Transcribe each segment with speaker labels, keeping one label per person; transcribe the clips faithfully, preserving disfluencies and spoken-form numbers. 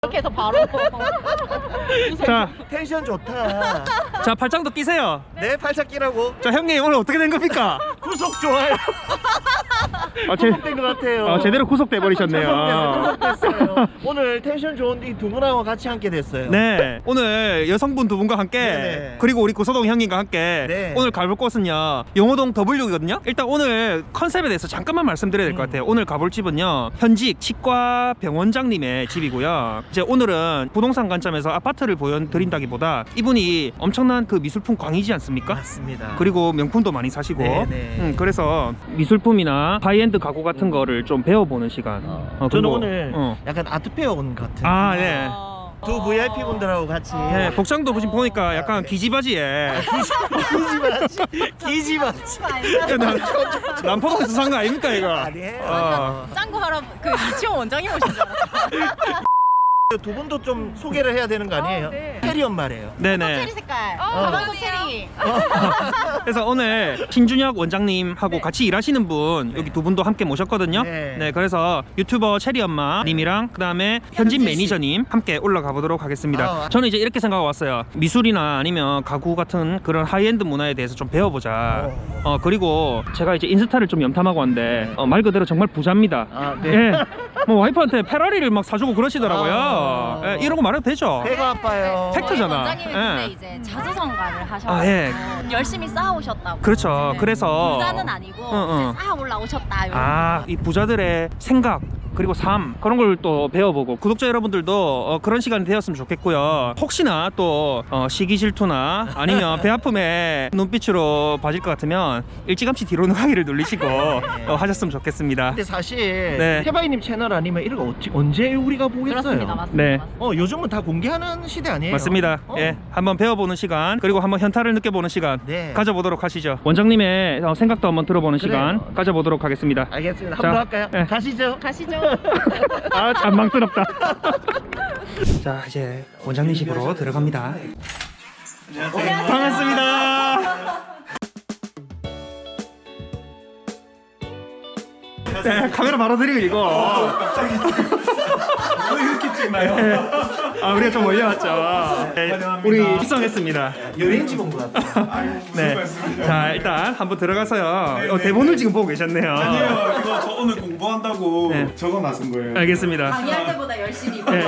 Speaker 1: 이렇게 해서 바로.
Speaker 2: 자,
Speaker 3: 텐션 좋다.
Speaker 2: 자 팔짱도 끼세요.
Speaker 3: 네, 팔짝 끼라고.
Speaker 2: 자 형님 오늘 어떻게 된 겁니까?
Speaker 3: 구속 좋아요.
Speaker 2: 아, 제,
Speaker 3: 구속된 것 같아요.
Speaker 2: 아, 제대로 구속돼 버리셨네요.
Speaker 3: 구속됐어요. 오늘 텐션 좋은 이 두 분하고 같이 함께 됐어요.
Speaker 2: 네, 오늘 여성분 두 분과 함께
Speaker 3: 네네.
Speaker 2: 그리고 우리 구서동 형님과 함께
Speaker 3: 네.
Speaker 2: 오늘 가볼 곳은요 용호동 더블유거든요. 일단 오늘 컨셉에 대해서 잠깐만 말씀드려야 될 것
Speaker 3: 음.
Speaker 2: 같아요. 오늘 가볼 집은요 현직 치과 병원장님의 집이고요. 이제 오늘은 부동산 관점에서 아파트를 보여드린다기보다 이분이 엄청난 그 미술품 광이지 않습니까?
Speaker 3: 맞습니다.
Speaker 2: 그리고 명품도 많이 사시고
Speaker 3: 네네.
Speaker 2: 음, 그래서 미술품이나 하이엔드 가구 같은 거를 좀 배워보는 시간.
Speaker 3: 어,
Speaker 2: 어,
Speaker 3: 저는
Speaker 2: 그리고-
Speaker 3: 오늘
Speaker 2: 어.
Speaker 3: 약간 아트페어 온 것 같은.
Speaker 2: 아 네.
Speaker 3: 두 브이아이피 분들하고 같이.
Speaker 2: 네, 복장도 지금 보니까 약간 기지바지에
Speaker 3: 기지바지. 기지바지.
Speaker 2: 남포동에서 산 거 아닙니까 이거?
Speaker 3: 아니에요.
Speaker 2: 어.
Speaker 1: 짱구 할아 그 이치원 원장님 오신 줄 알았어.
Speaker 3: 두 분도 좀 소개를 해야 되는 거 아니에요?
Speaker 1: 아, 네.
Speaker 3: 체리 엄마래요.
Speaker 2: 네네.
Speaker 1: 체리 색깔.
Speaker 3: 어.
Speaker 1: 가방도 체리.
Speaker 2: 그래서 오늘 신준혁 원장님하고
Speaker 1: 네.
Speaker 2: 같이 일하시는 분 여기 두 분도 함께 모셨거든요.
Speaker 3: 네.
Speaker 2: 네, 그래서 유튜버 체리 엄마 님이랑 그다음에 현진
Speaker 3: 현진 씨.
Speaker 2: 매니저님 함께 올라가 보도록 하겠습니다.
Speaker 3: 어.
Speaker 2: 저는 이제 이렇게 생각하고 왔어요. 미술이나 아니면 가구 같은 그런 하이엔드 문화에 대해서 좀 배워보자.
Speaker 3: 어.
Speaker 2: 어 그리고 제가 이제 인스타를 좀 염탐하고 왔는데 어, 말 그대로 정말 부자입니다.
Speaker 3: 아, 네.
Speaker 2: 예. 뭐 와이프한테 페라리를 막 사주고 그러시더라고요.
Speaker 3: 아.
Speaker 2: 예, 이런 거 말해도 되죠.
Speaker 3: 배가 아파요.
Speaker 2: 팩트- 팩트잖아.
Speaker 1: 원장님이
Speaker 2: 예.
Speaker 1: 근데 이제 자수성가를 하셔서
Speaker 2: 아, 예.
Speaker 1: 열심히 쌓아오셨다고.
Speaker 2: 그렇죠.
Speaker 1: 네.
Speaker 2: 그래서
Speaker 1: 부자는 아니고
Speaker 2: 응, 응.
Speaker 1: 이제 쌓아 올라오셨다. 이런
Speaker 2: 아, 이 부자들의 생각 그리고 삶 그런 걸 또 배워보고 구독자 여러분들도 어, 그런 시간이 되었으면 좋겠고요. 혹시나 또 어, 시기 질투나 아니면 배 아픔에 눈빛으로 봐질 것 같으면 일찌감치 뒤로 가기를 눌리시고 어, 하셨으면 좋겠습니다.
Speaker 3: 근데 사실
Speaker 2: 네.
Speaker 3: 태바이님 채널 아니면 이런 거 어찌, 언제 우리가 보겠어요?
Speaker 1: 그렇습니다. 맞습니다.
Speaker 2: 네.
Speaker 1: 맞습니다.
Speaker 3: 어, 요즘은 다 공개하는 시대 아니에요?
Speaker 2: 맞습니다.
Speaker 3: 어.
Speaker 2: 예, 한번 배워보는 시간 그리고 한번 현타를 느껴보는 시간
Speaker 3: 네.
Speaker 2: 가져보도록 하시죠. 원장님의 어, 생각도 한번 들어보는
Speaker 3: 그래요.
Speaker 2: 시간 가져보도록 하겠습니다.
Speaker 3: 알겠습니다.
Speaker 2: 자,
Speaker 3: 한번 할까요?
Speaker 2: 네.
Speaker 3: 가시죠.
Speaker 1: 가시죠.
Speaker 2: 아, 잔망스럽다. 자, 이제 원장님 집으로 들어갑니다. 반갑습니다. 네, 카메라 바로 드리고 이거.
Speaker 4: 왜 이렇게 찍나요?
Speaker 2: 아, 우리가 좀 올려왔죠. 네, 우리 입성했습니다.
Speaker 3: 여행지 본 것 같아요.
Speaker 2: 네. 자, 일단 한번 들어가서요. 어, 대본을 지금 보고 계셨네요.
Speaker 4: 아니에요. 이거 저 오늘 공부한다고
Speaker 2: 네.
Speaker 4: 적어놨은 거예요.
Speaker 2: 알겠습니다.
Speaker 1: 강의할 때보다 열심히.
Speaker 2: 네.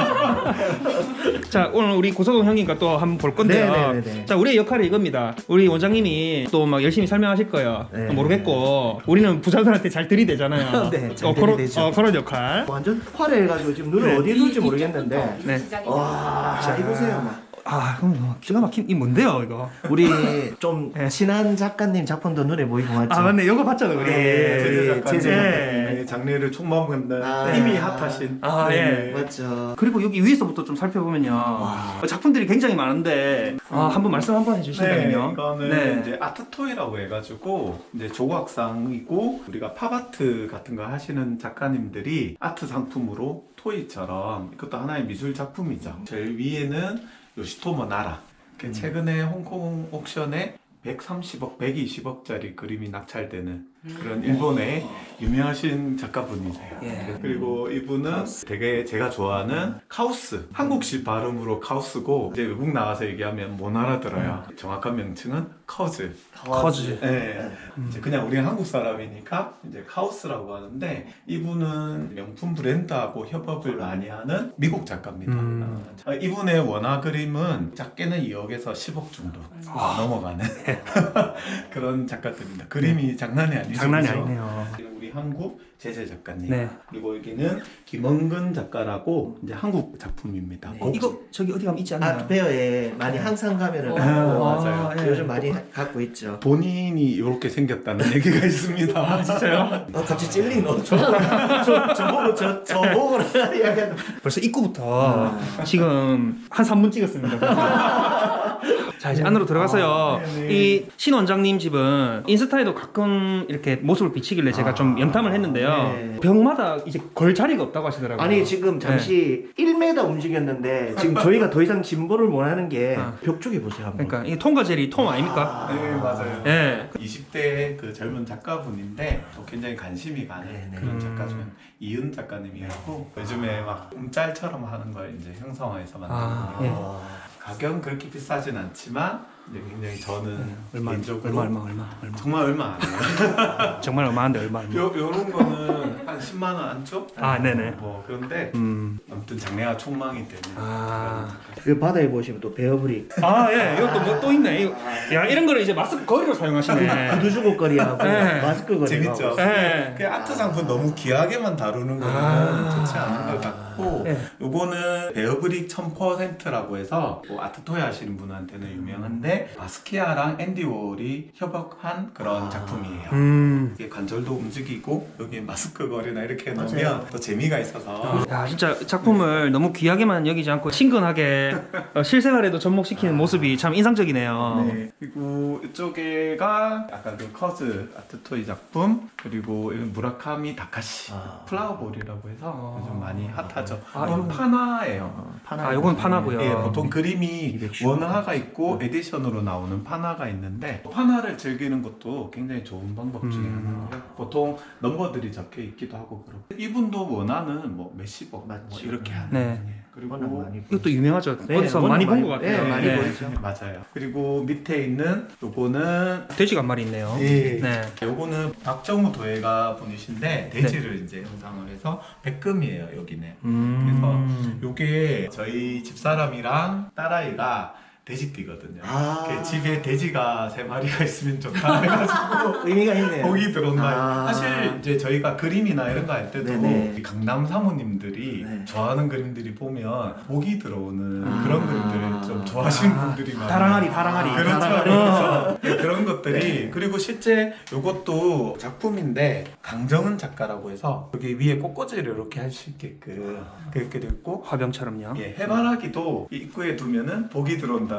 Speaker 2: 자, 오늘 우리 고서동 형님과 또 한번 볼 건데요.
Speaker 3: 네네네네.
Speaker 2: 자, 우리의 역할이 이겁니다. 우리 원장님이 또 막 열심히 설명하실 거예요.
Speaker 3: 네.
Speaker 2: 모르겠고 우리는 부자들한테 잘 들이대잖아요.
Speaker 3: 네, 잘
Speaker 2: 어, 그런,
Speaker 3: 들이대죠.
Speaker 2: 어, 그런 역할.
Speaker 3: 완전 화려해가지고 지금 눈을
Speaker 2: 네.
Speaker 3: 어디에 둘지 모르겠는데.
Speaker 2: 네.
Speaker 3: 와, 자, 이보세요.
Speaker 2: 아, 그럼 뭐 기가 막힌 이 뭔데요, 이거?
Speaker 3: 우리 좀
Speaker 2: 네.
Speaker 3: 친한 작가님 작품도 눈에 보이고 맞죠?
Speaker 2: 아, 맞네. 이거 봤잖아, 우리.
Speaker 3: 네.
Speaker 4: 제재
Speaker 3: 우리
Speaker 4: 작가님
Speaker 3: 제재
Speaker 2: 작가님.
Speaker 4: 장례를 총망한다.
Speaker 3: 아.
Speaker 4: 이미 핫하신.
Speaker 2: 아, 예.
Speaker 3: 맞죠.
Speaker 2: 그리고 여기 위에서부터 좀 살펴보면요. 어, 작품들이 굉장히 많은데 아, 한번 말씀 한번
Speaker 4: 네,
Speaker 2: 해주신다면요.
Speaker 4: 이거는
Speaker 2: 네.
Speaker 4: 이제 아트토이라고 해가지고 이제 조각상이고 우리가 팝아트 같은 거 하시는 작가님들이 아트 상품으로 토이처럼 이것도 하나의 미술 작품이죠. 제일 위에는 요시토모 나라.
Speaker 2: 음.
Speaker 4: 최근에 홍콩 옥션에 백삼십억, 백이십억짜리 그림이 낙찰되는 그런 일본의 유명하신 작가분이세요.
Speaker 2: 예.
Speaker 4: 그리고 이분은 되게 제가 좋아하는 카우스, 한국식 발음으로 카우스고 이제 외국 나가서 얘기하면 못 알아들어요. 정확한 명칭은 커즈.
Speaker 2: 커즈.
Speaker 4: 네. 이제 그냥 우리는 한국 사람이니까 이제 카우스라고 하는데 이분은 명품 브랜드하고 협업을 많이 하는 미국 작가입니다.
Speaker 2: 음.
Speaker 4: 어, 이분의 원화 그림은 작게는 이억에서 십억 정도
Speaker 2: 아.
Speaker 4: 넘어가는 그런 작가들입니다. 그림이 장난이 아니죠.
Speaker 2: 장난이
Speaker 4: 그죠?
Speaker 2: 아니네요.
Speaker 4: 우리 한국 제재 작가님.
Speaker 2: 네.
Speaker 4: 그리고 여기는 김원근 작가라고 이제 한국 작품입니다.
Speaker 3: 네.
Speaker 2: 어, 이거 저기 어디 가면 있지 않나요?
Speaker 3: 아트페어에 많이 항상 가면은
Speaker 1: 어.
Speaker 3: 갖고
Speaker 2: 아,
Speaker 4: 맞아요.
Speaker 2: 예.
Speaker 3: 요즘 많이 갖고 있죠.
Speaker 4: 본인이 이렇게 생겼다는 얘기가 있습니다.
Speaker 2: 아, 진짜요?
Speaker 3: 어, 갑자기 찔리노. 저, 저, 저보고 저, 저보고 이야기하는.
Speaker 2: 벌써 입구부터 지금 한 삼 분 찍었습니다. 자 이제 안으로 들어가서요.
Speaker 4: 아, 네네.
Speaker 2: 이 신 원장님 집은 인스타에도 가끔 이렇게 모습을 비치길래 제가
Speaker 3: 아,
Speaker 2: 좀 염탐을 했는데요.
Speaker 3: 네.
Speaker 2: 벽마다 이제 걸 자리가 없다고 하시더라고요.
Speaker 3: 아니 지금 잠시 일 미터 움직였는데 지금 저희가 더 이상 진보를 원하는 게
Speaker 2: 아.
Speaker 3: 벽 쪽에 보세요 한번.
Speaker 2: 그러니까 이 통과 젤이 통 아닙니까?
Speaker 4: 네 맞아요.
Speaker 2: 예.
Speaker 4: 이십 대 그 젊은 작가분인데 또 굉장히 관심이 가는
Speaker 3: 네네.
Speaker 4: 그런
Speaker 2: 음.
Speaker 4: 작가 중 이은 작가님이라고 요즘에 막 움짤처럼 하는 걸 이제 형성화해서 만든
Speaker 2: 아,
Speaker 4: 거예요.
Speaker 2: 예.
Speaker 3: 어.
Speaker 4: 가격은 그렇게 비싸진 않지만 이제 굉장히 저는
Speaker 2: 얼마
Speaker 4: 개인적으로
Speaker 2: 얼마 얼마 얼마 얼마
Speaker 4: 정말 얼마 안 해요.
Speaker 2: 정말 얼마인데 얼마 얼마.
Speaker 4: 요, 요런 거는 한 십만 원 안쪽?
Speaker 2: 아 네네.
Speaker 4: 뭐 그런데
Speaker 2: 음.
Speaker 4: 아무튼 장래가 촉망이 되는
Speaker 2: 아.
Speaker 3: 그 바다에 보시면 또 베어브릭
Speaker 2: 아 예. 이것도 뭐 또 있네. 이거, 야 이런 거를 이제 마스크 거리로 사용하시네.
Speaker 3: 구두주고 거리하고
Speaker 2: 네.
Speaker 3: 마스크 거리하고
Speaker 4: 재밌죠?
Speaker 2: 예.
Speaker 4: 그 아트 상품 너무 귀하게만 다루는 거는
Speaker 2: 아.
Speaker 4: 좋지 않은 것 같고
Speaker 2: 예.
Speaker 4: 요거는 베어브릭 천 퍼센트라고 해서 뭐 아트토이 하시는 분한테는 유명한데 바스키아랑 앤디 워홀이 협업한 그런
Speaker 3: 아.
Speaker 4: 작품이에요.
Speaker 2: 음.
Speaker 4: 이게 관절도 움직이고 여기에 마스크 거리나 이렇게
Speaker 3: 맞아요.
Speaker 4: 놓으면 또 재미가 있어서
Speaker 2: 야 진짜 작품을 너무 귀하게만 여기지 않고 친근하게 어, 실생활에도 접목시키는 모습이 참 인상적이네요.
Speaker 4: 네. 그리고 이쪽에가 아까 그 커즈 아트토이 작품 그리고 이건 무라카미 다카시
Speaker 3: 아.
Speaker 4: 플라워볼이라고 해서 요즘 많이 핫하죠.
Speaker 2: 아,
Speaker 4: 이건
Speaker 2: 이건-
Speaker 4: 파나예요.
Speaker 3: 파나.
Speaker 2: 아 요건 파나고요.
Speaker 4: 예, 보통 그림이
Speaker 3: 이백십.
Speaker 4: 원화가 있고 에디션으로 나오는 파나가 있는데 파나를 즐기는 것도 굉장히 좋은 방법 중에
Speaker 2: 음.
Speaker 4: 하나고요. 보통 넘버들이 적혀 있기도 하고 그렇고 이분도 원화는 뭐 몇십억 뭐
Speaker 3: 맞죠.
Speaker 4: 이렇게 하는
Speaker 2: 네.
Speaker 4: 분이에요. 그리고
Speaker 3: 워낙 많이
Speaker 2: 이것도 유명하죠.
Speaker 3: 네,
Speaker 2: 어디서
Speaker 3: 워낙
Speaker 2: 많이 본
Speaker 3: 많이-
Speaker 2: 것 같아요.
Speaker 3: 네, 많이
Speaker 2: 네.
Speaker 3: 보이죠.
Speaker 4: 네, 맞아요. 그리고 밑에 있는 요거는
Speaker 2: 돼지가 한 마리 있네요.
Speaker 4: 예.
Speaker 2: 네.
Speaker 4: 요거는 박정우 도예가 분이신데 돼지를 이제 형상을 해서 백금이에요 여기는.
Speaker 2: 음.
Speaker 4: 요게 저희 집사람이랑 딸아이가 돼지띠거든요.
Speaker 3: 아.
Speaker 4: 그 집에 돼지가 세 마리가 있으면 좋다 해가지고
Speaker 3: 의미가 있네요.
Speaker 4: 복이 들어온다.
Speaker 3: 아.
Speaker 4: 사실 이제 저희가 그림이나 이런 거 할 때도
Speaker 3: 네네.
Speaker 4: 이 강남 사모님들이
Speaker 3: 네.
Speaker 4: 좋아하는 그림들이 보면 복이 들어오는
Speaker 3: 아.
Speaker 4: 그런 그림들을 좀 좋아하시는 분들이 많아요.
Speaker 2: 다랑아리 다랑아리.
Speaker 4: 그렇죠.
Speaker 3: 다랑아리.
Speaker 4: 그래서 네, 그런 것들이 그리고 실제 이것도 작품인데 강정은 작가라고 해서 여기 위에 꽃꽂이를 이렇게 할 수 있게끔 그렇게 되어 있고
Speaker 2: 화병처럼요.
Speaker 4: 예, 해바라기도 이 입구에 두면은 복이 들어온다.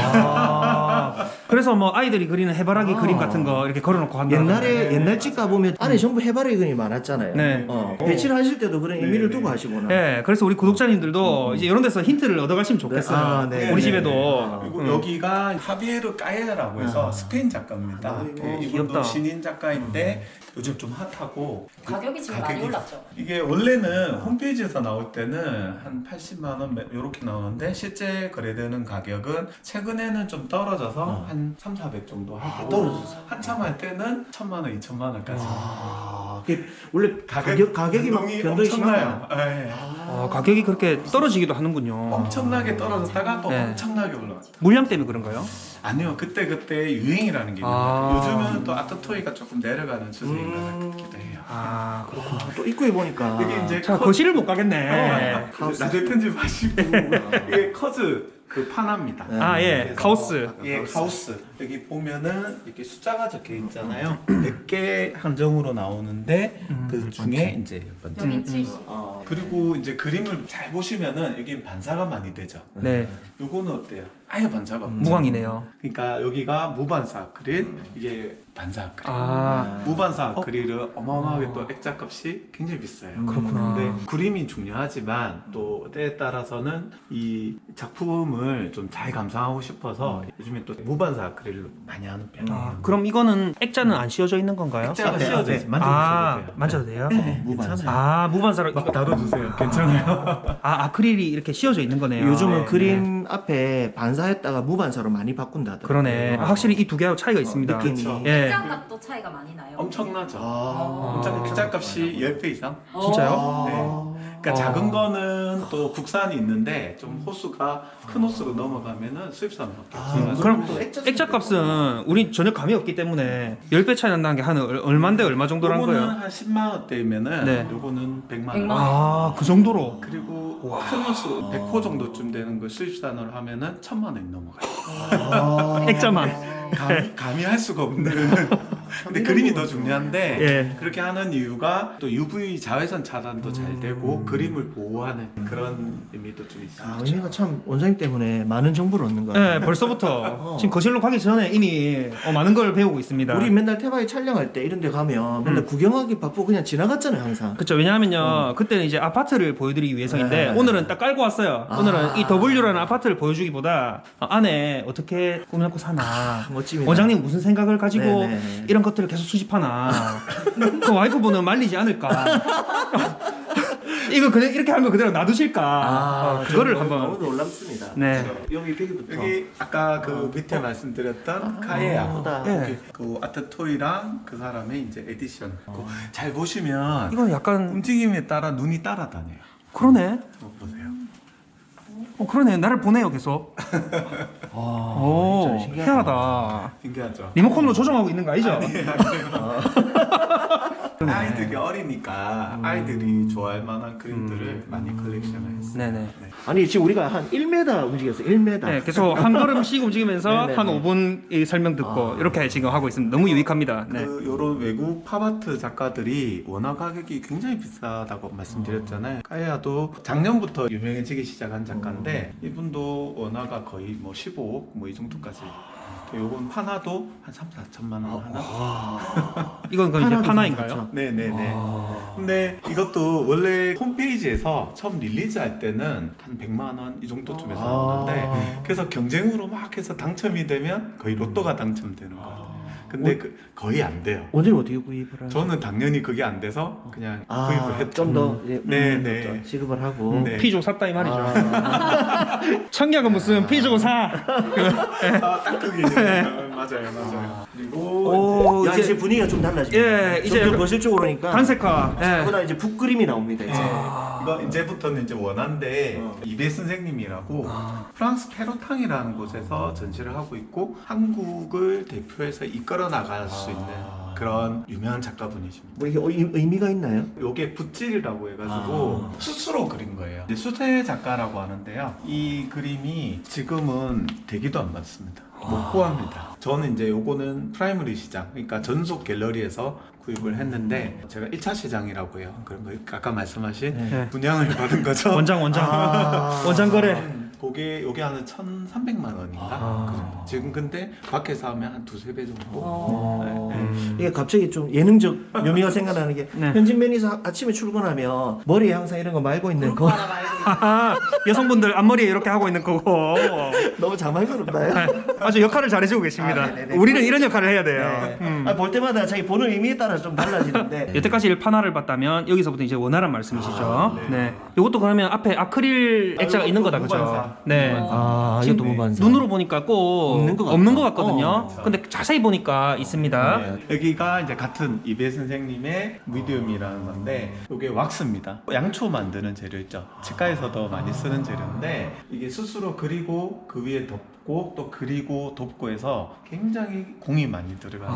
Speaker 2: 아. 그래서 뭐 아이들이 그리는 해바라기
Speaker 3: 아.
Speaker 2: 그림 같은 거 이렇게 걸어놓고 한다.
Speaker 3: 옛날에 옛날 집 가보면 안에 전부 해바라기 그림이 많았잖아요.
Speaker 2: 네.
Speaker 3: 어, 배치를 하실 때도 그런
Speaker 4: 네,
Speaker 3: 의미를
Speaker 4: 네.
Speaker 3: 두고 하시구나.
Speaker 2: 네, 그래서 우리 구독자님들도 이제 이런 데서 힌트를 얻어가시면 좋겠어요.
Speaker 3: 아, 네,
Speaker 2: 우리
Speaker 3: 네,
Speaker 2: 집에도.
Speaker 3: 네.
Speaker 4: 그리고
Speaker 2: 음.
Speaker 4: 여기가 하비에르 까에라고 해서
Speaker 3: 아.
Speaker 4: 스페인 작가입니다.
Speaker 3: 아,
Speaker 4: 그
Speaker 2: 어,
Speaker 4: 이분도
Speaker 2: 귀엽다.
Speaker 4: 신인 작가인데 요즘 좀 핫하고
Speaker 1: 가격이 지금 많이
Speaker 4: 가격이-
Speaker 1: 올랐죠.
Speaker 4: 이게 원래는 홈페이지에서 나올 때는 한 팔십만 원 이렇게 나오는데 실제 거래되는 가격은 최근에는 좀 떨어져서
Speaker 3: 어.
Speaker 4: 한 삼사백 정도 하고
Speaker 3: 아, 떨어졌어요.
Speaker 4: 한참 할 때는 천만 원, 이천만 원까지
Speaker 3: 아, 그게 원래 가격 가격이 막
Speaker 4: 변동이
Speaker 3: 변동이
Speaker 4: 엄청나요.
Speaker 3: 심하나요?
Speaker 4: 예.
Speaker 2: 어, 가격이 그렇게 떨어지기도 하는군요.
Speaker 4: 엄청나게 떨어졌다가 또
Speaker 2: 네.
Speaker 4: 엄청나게 올라왔다.
Speaker 2: 물량 때문에 그런가요?
Speaker 4: 아니요, 그때 그때 유행이라는 게 있는
Speaker 2: 아.
Speaker 4: 요 요즘은 또 아트토이가 조금 내려가는 추세인 것
Speaker 3: 음.
Speaker 4: 같기도 해요.
Speaker 2: 아, 그렇구나.
Speaker 3: 아, 또 입구에 보니까
Speaker 4: 이게 이제
Speaker 2: 자,
Speaker 4: 커-
Speaker 2: 거실을 못 가겠네.
Speaker 4: 어, 나중에 편집하시고 이게 커즈 그 파나입니다.
Speaker 2: 아, 예.
Speaker 4: 그래서
Speaker 2: 카우스.
Speaker 4: 예, 카우스. 여기 보면은 이렇게 숫자가 적혀 있잖아요. 몇 개 한정으로 나오는데
Speaker 2: 음,
Speaker 4: 그 중에 이제 몇 번째.
Speaker 1: 여기 칠십.
Speaker 3: 어,
Speaker 4: 그리고 이제 그림을 잘 보시면은 여기 반사가 많이 되죠.
Speaker 2: 네.
Speaker 4: 요거는 어때요? 아예 반사가 없죠.
Speaker 2: 무광이네요.
Speaker 4: 그러니까 여기가 무반사 아크릴, 이게 반사 아크릴.
Speaker 2: 아,
Speaker 4: 무반사 아크릴은 어마어마하게 또 액자값이 굉장히 비싸요.
Speaker 2: 그렇구나.
Speaker 4: 근데 그림이 중요하지만 또 때에 따라서는 이 작품을 좀 잘 감상하고 싶어서 요즘에 또 무반사 아크릴로 많이 하는 편이에요.
Speaker 2: 아, 그럼 이거는 액자는 안 씌워져 있는 건가요?
Speaker 4: 액자가
Speaker 3: 앞에,
Speaker 4: 씌워져
Speaker 3: 앞에.
Speaker 4: 있어요. 만져보셔도
Speaker 2: 아,
Speaker 4: 돼요.
Speaker 2: 만져도 돼요?
Speaker 4: 네,
Speaker 3: 무반사.
Speaker 4: 괜찮아요.
Speaker 2: 아, 무반사로
Speaker 4: 막
Speaker 2: 이거
Speaker 4: 다뤄주세요. 괜찮아요.
Speaker 2: 아, 아크릴이 이렇게 씌워져 있는 거네요.
Speaker 3: 요즘은
Speaker 4: 네,
Speaker 3: 그림 앞에 반사했다가 무반사로 많이 바꾼다더라고요.
Speaker 2: 그러네. 아, 확실히 이 두 개하고 차이가 있습니다.
Speaker 3: 느낌이.
Speaker 4: 그렇죠.
Speaker 2: 예.
Speaker 1: 액자값도 차이가 많이 나요.
Speaker 4: 엄청나죠.
Speaker 3: 아,
Speaker 4: 엄청 액자값이 십 배 이상.
Speaker 2: 진짜요?
Speaker 3: 아,
Speaker 4: 그러니까
Speaker 2: 어.
Speaker 4: 작은 거는 또 국산이 있는데 좀 호수가 큰 호수로 넘어가면은 수입산밖에
Speaker 3: 아,
Speaker 4: 없어요.
Speaker 2: 그럼
Speaker 3: 또 액자
Speaker 2: 액자 값은 우리 전혀 감이 없기 때문에 십 배 차이 난다는 게 한 얼마인데 얼마 정도란
Speaker 4: 요거는
Speaker 2: 거예요?
Speaker 4: 한 십만 원대면은
Speaker 2: 네.
Speaker 4: 요거는 백만 원.
Speaker 1: 백만
Speaker 2: 아, 그 정도로.
Speaker 4: 그리고 큰 호수 백 호 정도쯤 되는 걸 수입산으로 하면은 천만 원이 넘어가요.
Speaker 3: 아,
Speaker 2: 액자만.
Speaker 4: 감히, 감히 할 수가 없는 근데 그림이 더 중요한데
Speaker 2: 예.
Speaker 4: 그렇게 하는 이유가 또 유브이 자외선 차단도 잘
Speaker 2: 음.
Speaker 4: 되고 그림을 보호하는 그런 의미도 좀
Speaker 3: 아,
Speaker 4: 있습니다.
Speaker 3: 의미가 참 원장님 때문에 많은 정보를 얻는 것 같아요.
Speaker 2: 네, 벌써부터
Speaker 3: 어.
Speaker 2: 지금 거실로 가기 전에 이미 어, 많은 걸 배우고 있습니다.
Speaker 3: 우리 맨날 태바이 촬영할 때 이런 데 가면 맨날
Speaker 2: 음.
Speaker 3: 구경하기 바쁘고 그냥 지나갔잖아요 항상.
Speaker 2: 그렇죠. 왜냐하면요, 그때는 이제 아파트를 보여드리기 위해서인데
Speaker 3: 네.
Speaker 2: 오늘은 딱 깔고 왔어요.
Speaker 3: 아.
Speaker 2: 오늘은 이 더블유라는 아파트를 보여주기보다 어, 안에 어떻게 꾸며놓고 사나,
Speaker 3: 멋집니다.
Speaker 2: 원장님 무슨 생각을 가지고
Speaker 3: 네네.
Speaker 2: 이런 것들을 계속 수집하나, 그 와이프분은 말리지 않을까. 이거 그냥 이렇게 한 거 그대로 놔두실까.
Speaker 3: 아,
Speaker 2: 어, 그거를
Speaker 3: 너무,
Speaker 2: 한번.
Speaker 3: 너무 놀랍습니다.
Speaker 2: 네.
Speaker 3: 여기 벽이부터.
Speaker 4: 여기 아까 그 밑에 말씀드렸던 카에야
Speaker 3: 예쁘다.
Speaker 2: 예.
Speaker 4: 여기 그 아트 토이랑 그 사람의 이제 에디션 그 잘 보시면
Speaker 2: 이건 약간
Speaker 4: 움직임에 따라 눈이 따라다녀요.
Speaker 2: 그러네.
Speaker 4: 한번 보세요.
Speaker 2: 어 그러네. 나를 보내요 계속.
Speaker 3: 아,
Speaker 2: 오,
Speaker 3: 진짜 신기하다.
Speaker 2: 희한하다.
Speaker 4: 신기하죠?
Speaker 2: 리모컨으로 조정하고 있는 거 아니죠?
Speaker 4: 아이들이 어리니까 아이들이 좋아할 만한 그림들을 많이 컬렉션을 했어요.
Speaker 2: 네네.
Speaker 4: 네.
Speaker 3: 아니 지금 우리가 한 일 미터 움직였어. 일 미터.
Speaker 2: 네, 계속 한 걸음씩 움직이면서
Speaker 3: 네네네.
Speaker 2: 한 오 분 이 설명 듣고
Speaker 3: 아.
Speaker 2: 이렇게 지금 하고 있습니다. 너무 유익합니다. 네.
Speaker 4: 그 요런 외국 팝아트 작가들이 원화 가격이 굉장히 비싸다고 말씀드렸잖아요. 카야도 작년부터 유명해지기 시작한 작가인데 이분도 원화가 거의 뭐 십오억 뭐 이 정도까지. 요건 파나도 한 삼, 사천만 원 하나.
Speaker 3: 아.
Speaker 2: 이건 그 이제
Speaker 3: 파나도
Speaker 2: 파나인가요?
Speaker 3: 삼,
Speaker 4: 네네네.
Speaker 3: 아.
Speaker 4: 근데 이것도 원래 홈페이지에서 처음 릴리즈 할 때는 한 백만 원 이 정도쯤에서
Speaker 3: 아.
Speaker 4: 나오는데 그래서 경쟁으로 막 해서 당첨이 되면 거의 로또가 당첨되는 거예요. 근데 그 거의 안 돼요.
Speaker 3: 원장님 어떻게 구입을 하요?
Speaker 4: 저는 당연히 그게 안 돼서 그냥
Speaker 3: 아,
Speaker 4: 구입을 했죠.
Speaker 3: 좀더
Speaker 4: 네, 네.
Speaker 3: 지급을 하고.
Speaker 4: 네.
Speaker 2: 피조 샀다 이 말이죠.
Speaker 3: 아.
Speaker 2: 청약은 무슨 피조 사.
Speaker 4: 아, 딱 그게 맞아요, 맞아요. 그리고
Speaker 2: 오,
Speaker 3: 야,
Speaker 2: 이제-
Speaker 3: 이제 분위기가 좀 달라지네.
Speaker 2: 예, 이제
Speaker 3: 점점 거실 쪽으로 오니까.
Speaker 2: 단색화. 예.
Speaker 3: 보다 이제 북 그림이 나옵니다. 이제.
Speaker 4: 이거 이제부터는 이제 원한데
Speaker 3: 어.
Speaker 4: 이베 선생님이라고 프랑스 페로탕이라는 곳에서 전시를 하고 있고 한국을 대표해서 이끌어 나갈 수 있는 그런 유명한 작가분이십니다.
Speaker 3: 뭐 이게 의- 의미가 있나요?
Speaker 4: 요게 붓질이라고 해가지고
Speaker 3: 아.
Speaker 4: 숯으로 그린 거예요. 이제 수세 작가라고 하는데요. 이 그림이 지금은 되기도 안 받습니다. 못 구합니다. 저는 이제 요거는 프라이머리 시장, 그러니까 전속 갤러리에서 구입을 했는데 제가 일 차 시장이라고 해요. 그런 거 아까 말씀하신
Speaker 3: 네.
Speaker 4: 분양을 받은 거죠.
Speaker 2: 원장 원장.
Speaker 3: 아.
Speaker 2: 원장 거래.
Speaker 4: 그게 요게 한 천삼백만 원인가?
Speaker 3: 아.
Speaker 4: 그 정도. 지금 근데 밖에서 하면 한 두세 배 정도.
Speaker 3: 어.
Speaker 4: 네, 네.
Speaker 3: 이게 갑자기 좀 예능적 묘미가 생각나는 게
Speaker 2: 네.
Speaker 3: 현진 매니저 아침에 출근하면 머리에 항상 이런 거 말고 있는 거
Speaker 2: 하하, 여성분들 앞머리에 이렇게 하고 있는 거고.
Speaker 3: 너무 자만스럽나요?
Speaker 2: 아주 역할을 잘해주고 계십니다.
Speaker 3: 아, 네네네.
Speaker 2: 우리는 이런 역할을 해야 돼요.
Speaker 3: 네.
Speaker 2: 음.
Speaker 3: 아, 볼 때마다 자기 보는 의미에 따라 좀 달라지는데
Speaker 2: 여태까지 일판화를 봤다면 여기서부터 이제 원화란 말씀이시죠.
Speaker 4: 아,
Speaker 2: 네.
Speaker 4: 네.
Speaker 2: 이것도 그러면 앞에 아크릴 액자가
Speaker 4: 아,
Speaker 2: 있는 거다,
Speaker 4: 이것도
Speaker 2: 그죠?
Speaker 4: 무반사.
Speaker 2: 네.
Speaker 4: 무반사.
Speaker 3: 아
Speaker 2: 지금
Speaker 3: 이것도 무반사
Speaker 2: 눈으로 보니까 꼭
Speaker 3: 없는 것 같다.
Speaker 2: 없는 것 같거든요.
Speaker 3: 어.
Speaker 2: 근데 자세히 보니까 있습니다.
Speaker 4: 네. 여기가 이제 같은 이베 선생님의 미디움이라는 건데 이게 왁스입니다. 양초 만드는 재료 있죠. 치과에서도 많이 쓰는 재료인데 이게 스스로 그리고 그 위에 덮고 또 그리고 덮고 해서 굉장히 공이 많이 들어가는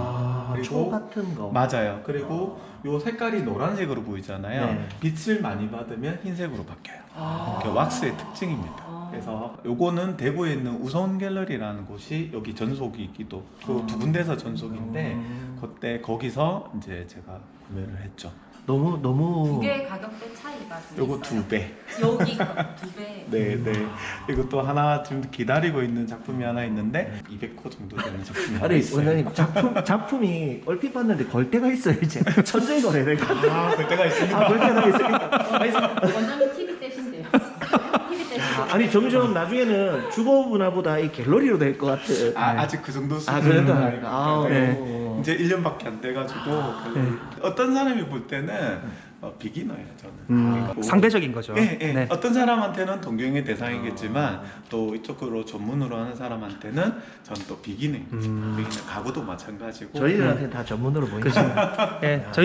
Speaker 3: 아,
Speaker 4: 그리고-
Speaker 3: 초 같은 거
Speaker 4: 맞아요. 그리고 요 색깔이 노란색으로 보이잖아요.
Speaker 3: 네.
Speaker 4: 빛을 많이 받으면 흰색으로 바뀌어요.
Speaker 3: 아.
Speaker 4: 그게 왁스의 특징입니다. 그래서 요거는 대구에 있는 우선 갤러리라는 곳이 여기 전속이기도 그 두 군데서 전속인데
Speaker 3: 음.
Speaker 4: 그때 거기서 이제 제가 구매를 했죠.
Speaker 3: 너무 너무
Speaker 5: 두 개의 가격대 차이가 좀
Speaker 4: 요거
Speaker 5: 있어요.
Speaker 4: 두 배.
Speaker 5: 여기 두 배.
Speaker 4: 네, 네. 이것도 하나 지금 기다리고 있는 작품이 하나 있는데 이백 호 정도 되는 작품이 하나
Speaker 3: 아니
Speaker 4: 있어요.
Speaker 3: 원장님 작품 작품이 얼핏 봤는데 걸 때가 있어요 이제 천천히 걸어야 될 것 같아요.
Speaker 4: 아, 그때가 있습니다.
Speaker 3: 아, 걸 때가 있으니까. 아니,
Speaker 5: 원장님 티비 떼신대요. 티비 떼신대요.
Speaker 3: 아니 점점 나중에는 주거 문화보다 이 갤러리로 될 것 같아.
Speaker 4: 아, 아직 그 정도
Speaker 3: 아
Speaker 4: 수준은
Speaker 3: 그래도
Speaker 4: 아니고
Speaker 3: 아,
Speaker 2: 네.
Speaker 3: 어.
Speaker 4: 이제 일 년밖에 안 돼가지고 그
Speaker 2: 네.
Speaker 4: 어떤 사람이 볼 때는 어, 비기너예요 저는.
Speaker 2: 음,
Speaker 4: 그리고
Speaker 2: 상대적인 거죠.
Speaker 4: 예, 예.
Speaker 2: 네.
Speaker 4: 어떤 사람한테는 동경의 대상이겠지만 또 이쪽으로 전문으로 하는 사람한테는 저는 또 비기너입니다.
Speaker 2: 음.
Speaker 4: 비기너 가구도 마찬가지고.
Speaker 3: 저희들한테 다 전문으로 보이니까.
Speaker 2: 예, 저희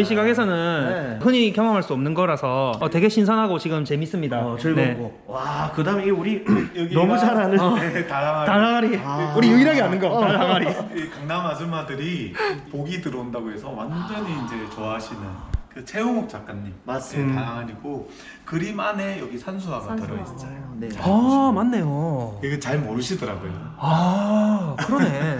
Speaker 2: 시각에서는
Speaker 3: 네.
Speaker 2: 흔히 경험할 수 없는 거라서 어, 되게 신선하고 지금 재밌습니다.
Speaker 3: 어,
Speaker 2: 네.
Speaker 3: 즐겁고. 와, 그다음에 이 우리
Speaker 4: 여기가-
Speaker 3: 너무 잘 아는
Speaker 4: 네, 다랑아리.
Speaker 2: 달항아리.
Speaker 3: 아.
Speaker 2: 우리 유일하게 아는 거.
Speaker 3: 어.
Speaker 2: 달항아리.
Speaker 4: 이 강남 아줌마들이 복이 들어온다고 해서 완전히 이제 좋아하시는 그 최홍욱 작가님.
Speaker 3: 맞습니다.
Speaker 4: 네, 다랑아리고 그림 안에 여기 산수화가
Speaker 5: 산수화.
Speaker 4: 들어있어요.
Speaker 3: 네.
Speaker 2: 아, 맞네요.
Speaker 4: 이거 잘 모르시더라고요.
Speaker 2: 아, 그러네.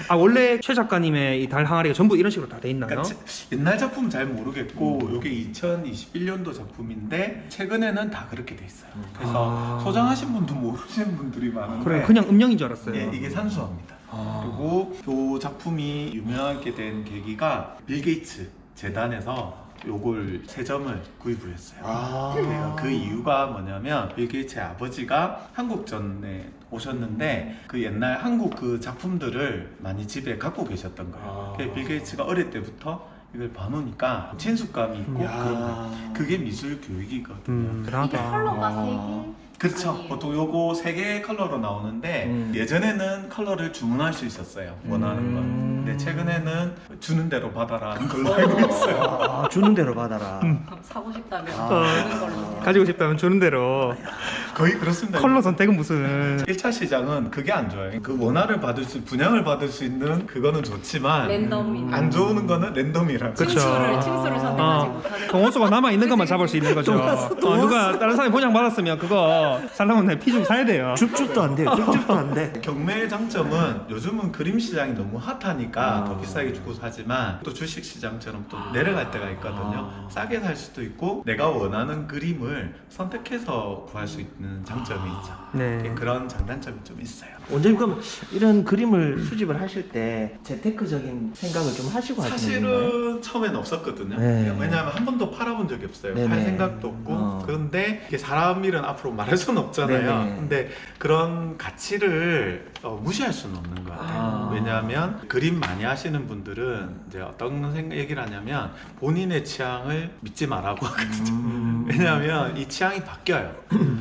Speaker 2: 아 원래 최 작가님의 이 달 항아리가 전부 이런 식으로 다 돼 있나요?
Speaker 4: 그러니까 옛날 작품은 잘 모르겠고 이게 이천이십일 년도 작품인데 최근에는 다 그렇게 돼 있어요. 그래서
Speaker 2: 아.
Speaker 4: 소장하신 분도 모르시는 분들이 많은데
Speaker 2: 그래 그냥 음영인 줄 알았어요.
Speaker 4: 예, 이게 산수화입니다.
Speaker 2: 아.
Speaker 4: 그리고 이 작품이 유명하게 된 계기가 빌 게이츠 재단에서 요걸 세 점을 구입을 했어요.
Speaker 3: 아.
Speaker 4: 그러니까 그 이유가 뭐냐면 빌 게이츠의 아버지가 한국전에 오셨는데 그 옛날 한국 그 작품들을 많이 집에 갖고 계셨던 거예요.
Speaker 3: 아.
Speaker 4: 그래서 빌 게이츠가 어릴 때부터 이걸 봐놓으니까 친숙감이 있고
Speaker 3: 야.
Speaker 4: 그런 거예요. 그게 미술 교육이거든요.
Speaker 2: 음,
Speaker 5: 이게
Speaker 2: 대단하다.
Speaker 5: 컬러가
Speaker 3: 아.
Speaker 5: 세 개.
Speaker 4: 그렇죠.
Speaker 5: 아니에요.
Speaker 4: 보통 요거 세 개의 컬러로 나오는데
Speaker 3: 음.
Speaker 4: 예전에는 컬러를 주문할 수 있었어요. 원하는
Speaker 2: 음.
Speaker 4: 건. 근데 최근에는 주는 대로 받아라는 걸로 알고 있어요.
Speaker 3: 아, 주는 대로 받아라.
Speaker 2: 음.
Speaker 5: 그럼 사고 싶다면
Speaker 3: 아.
Speaker 5: 주는 걸로.
Speaker 2: 가지고 싶다면 주는 대로.
Speaker 4: 거의 그렇습니다.
Speaker 2: 컬러 선택은 무슨?
Speaker 4: 일 차 시장은 그게 안 좋아요. 그 원화를 받을 수, 분양을 받을 수 있는 그거는 좋지만
Speaker 5: 랜덤인.
Speaker 4: 안 좋은 거는 랜덤이라고.
Speaker 2: 그쵸.
Speaker 5: 층수를 층수를 선택하지
Speaker 2: 어,
Speaker 5: 못하는.
Speaker 2: 동호수가 남아 있는 것만 잡을 수 있는 거죠. 어, 누가 다른 사람이 보장 받았으면 그거 살려면 피 좀 사야 돼요.
Speaker 3: 줍줍도 안 돼요. 줍줍도 안 돼.
Speaker 4: 경매의 장점은 요즘은 그림 시장이 너무 핫하니까
Speaker 3: 아.
Speaker 4: 더 비싸게 주고 사지만 또 주식 시장처럼 또 내려갈 때가 있거든요.
Speaker 3: 아.
Speaker 4: 싸게 살 수도 있고 내가 원하는 그림을 선택해서 구할 수 있는 장점이 있죠.
Speaker 2: 네.
Speaker 4: 그런 장단점이 좀 있어요.
Speaker 3: 원장님 그럼 이런 그림을 수집을 하실 때 재테크적인 생각을 좀 하시고 하시는 건가요?
Speaker 4: 사실은 처음엔 없었거든요.
Speaker 3: 네.
Speaker 4: 왜냐하면 한 번도 팔아본 적이 없어요.
Speaker 3: 네네.
Speaker 4: 팔 생각도 없고.
Speaker 3: 어.
Speaker 4: 그런데 이게 사람 일은 앞으로 말할 수는 없잖아요.
Speaker 3: 네네.
Speaker 4: 근데 그런 가치를 어, 무시할 수는 없는 것 같아요.
Speaker 3: 아.
Speaker 4: 왜냐하면 그림 많이 하시는 분들은 이제 어떤 생각 얘기를 하냐면 본인의 취향을 믿지 말라고 하거든요.
Speaker 3: 음.
Speaker 4: 왜냐하면 이 취향이 바뀌어요.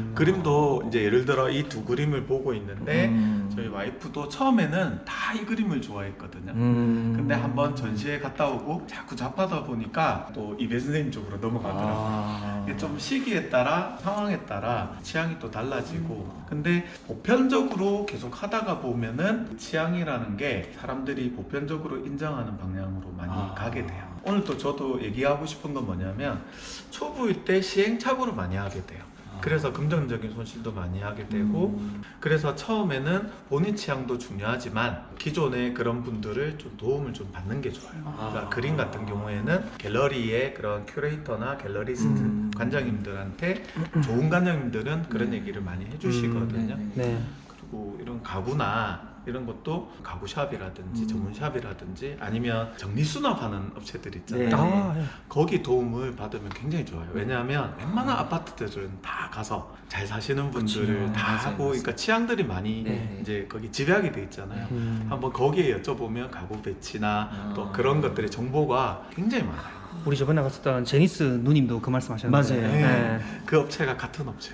Speaker 4: 그림도 이제 예를 들어 이 두 그림을 보고 있는데
Speaker 3: 음.
Speaker 4: 저희 와이프도 처음에는 다 이 그림을 좋아했거든요.
Speaker 3: 음.
Speaker 4: 근데 한번 전시회 갔다 오고 자꾸 잡하다 보니까 또 이배 선생님 쪽으로 넘어가더라고요.
Speaker 3: 아.
Speaker 4: 이게 좀 시기에 따라 상황에 따라 취향이 또 달라지고 근데 보편적으로 계속 하다가 보면은 취향이라는 게 사람들이 보편적으로 인정하는 방향으로 많이
Speaker 3: 아.
Speaker 4: 가게 돼요. 오늘 또 저도 얘기하고 싶은 건 뭐냐면 초보일 때 시행착오를 많이 하게 돼요. 그래서 금전적인 손실도 많이 하게 되고
Speaker 3: 음.
Speaker 4: 그래서 처음에는 본인 취향도 중요하지만 기존의 그런 분들을 좀 도움을 좀 받는 게 좋아요. 그러니까
Speaker 3: 아.
Speaker 4: 그림 같은 경우에는 갤러리의 그런 큐레이터나 갤러리스트
Speaker 3: 음.
Speaker 4: 관장님들한테 좋은 관장님들은 그런 얘기를 많이 해주시거든요.
Speaker 3: 음,
Speaker 2: 네.
Speaker 4: 그리고 이런 가구나 이런 것도 가구샵이라든지
Speaker 3: 음.
Speaker 4: 전문샵이라든지 아니면 정리수납하는 업체들 있잖아요.
Speaker 3: 네.
Speaker 2: 아, 예.
Speaker 4: 거기 도움을 받으면 굉장히 좋아요. 왜냐하면 웬만한 아파트들은 다 가서 잘 사시는 분들을
Speaker 3: 그쵸.
Speaker 4: 다
Speaker 3: 맞아요,
Speaker 4: 하고,
Speaker 3: 맞아요.
Speaker 4: 그러니까 취향들이 많이
Speaker 3: 네.
Speaker 4: 이제 거기 집약이 돼 있잖아요.
Speaker 2: 음.
Speaker 4: 한번 거기에 여쭤보면 가구 배치나
Speaker 3: 아.
Speaker 4: 또 그런 것들의 정보가 굉장히 많아요.
Speaker 2: 우리 저번에 갔었던 제니스 누님도 그 말씀하셨는데.
Speaker 3: 맞아요.
Speaker 2: 네.
Speaker 4: 그 업체가 같은 업체예요.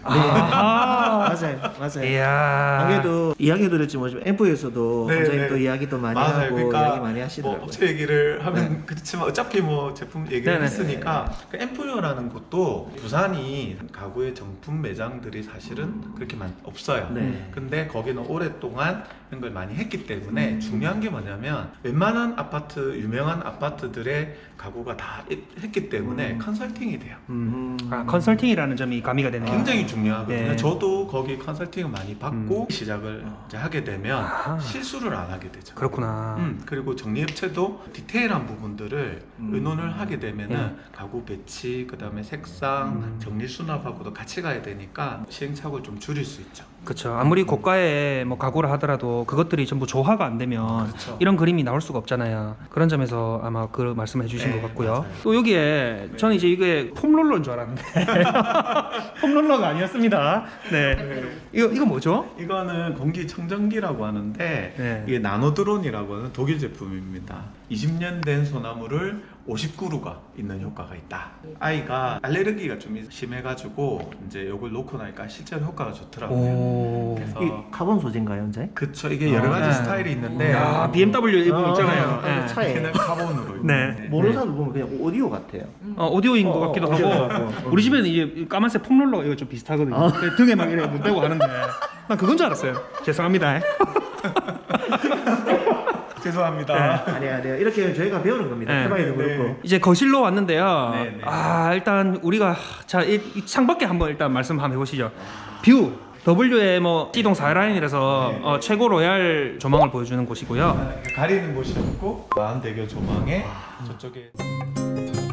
Speaker 2: 아,
Speaker 3: 맞아요, 맞아요.
Speaker 2: 이야.
Speaker 3: 아무래도 이야기 들었지 뭐 엠프에서도
Speaker 4: 네,
Speaker 3: 원장님
Speaker 4: 네.
Speaker 3: 또 이야기도 많이
Speaker 4: 맞아요.
Speaker 3: 하고
Speaker 4: 그러니까
Speaker 3: 이야기 많이
Speaker 4: 뭐
Speaker 3: 하시더라고요.
Speaker 4: 업체 얘기를 하면 그렇지만 어차피 뭐 제품 얘기를
Speaker 2: 네네.
Speaker 4: 했으니까 그 엠프요라는 곳도 부산이 가구의 정품 매장들이 사실은 그렇게 많이 없어요.
Speaker 3: 네.
Speaker 4: 근데 거기는 오랫동안 이런 걸 많이 했기 때문에
Speaker 3: 음.
Speaker 4: 중요한 게 뭐냐면 웬만한 아파트, 유명한 아파트들의 가구가 다 했기 때문에
Speaker 3: 음.
Speaker 4: 컨설팅이 돼요.
Speaker 3: 음.
Speaker 2: 아, 컨설팅이라는 점이 가미가 되네요.
Speaker 4: 굉장히 중요하거든요.
Speaker 2: 네.
Speaker 4: 저도 거기 컨설팅을 많이 받고 시작을
Speaker 3: 어.
Speaker 4: 이제 하게 되면
Speaker 2: 아하.
Speaker 4: 실수를 안 하게 되죠.
Speaker 2: 그렇구나.
Speaker 4: 음, 그리고 정리업체도 디테일한 부분들을
Speaker 3: 음.
Speaker 4: 의논을 하게 되면은
Speaker 2: 예.
Speaker 4: 가구 배치, 그 다음에 색상,
Speaker 3: 음.
Speaker 4: 정리 수납하고도 같이 가야 되니까 시행착오를 좀 줄일 수 있죠.
Speaker 2: 그렇죠. 아무리 고가의 뭐 가구를 하더라도 그것들이 전부 조화가 안 되면
Speaker 4: 그렇죠.
Speaker 2: 이런 그림이 나올 수가 없잖아요. 그런 점에서 아마 그 말씀을 해주신
Speaker 4: 네,
Speaker 2: 것 같고요.
Speaker 4: 맞아요.
Speaker 2: 또 여기에
Speaker 4: 네.
Speaker 2: 저는 이제 이게 폼롤러인 줄 알았는데 폼롤러가 아니었습니다. 네. 이거 이거 뭐죠?
Speaker 4: 이거는 공기청정기라고 하는데
Speaker 2: 네.
Speaker 4: 이게 나노드론이라고 하는 독일 제품입니다. 이십 년 된 소나무를 오십 그루가 있는 효과가 있다. 아이가 알레르기가 좀 심해가지고 이제 이걸 놓고 나니까 실제로 효과가 좋더라고요.
Speaker 2: 오.
Speaker 4: 그래서
Speaker 3: 이 카본 소재인가요, 원장님?
Speaker 4: 그쵸, 이게 여러 가지
Speaker 2: 네.
Speaker 4: 스타일이 있는데
Speaker 2: 야, 비엠더블유 일부
Speaker 3: 아,
Speaker 2: 있잖아요.
Speaker 3: 아,
Speaker 2: 네.
Speaker 3: 차에.
Speaker 4: 이렇게는 카본으로
Speaker 2: 네.
Speaker 4: 있는데
Speaker 3: 모르는 사람 보면 그냥 오디오 같아요.
Speaker 2: 어, 오디오인 것
Speaker 3: 어,
Speaker 2: 같기도
Speaker 3: 어, 오디오
Speaker 2: 하고
Speaker 3: 같고.
Speaker 2: 우리 집에는 이제 까만색 폼롤러가 이거 좀 비슷하거든요.
Speaker 3: 아.
Speaker 2: 등에 막 이렇게 문 떼고 하는데 난 그건 줄 알았어요. 죄송합니다.
Speaker 4: 죄송합니다.
Speaker 3: 아니 아니요. 이렇게 저희가 배우는 겁니다.
Speaker 2: 네.
Speaker 3: 해봐야도
Speaker 4: 네.
Speaker 3: 그렇고.
Speaker 2: 이제 거실로 왔는데요.
Speaker 4: 네, 네.
Speaker 2: 아 일단 우리가 자이 창밖에 한번 일단 말씀 한번 해보시죠. 뷰 더블유의 뭐 C동 사 라인이라서
Speaker 4: 네.
Speaker 2: 어, 최고 로얄 조망을 보여주는 곳이고요.
Speaker 4: 가리는 곳이 없고 마흔대교 조망에 저쪽에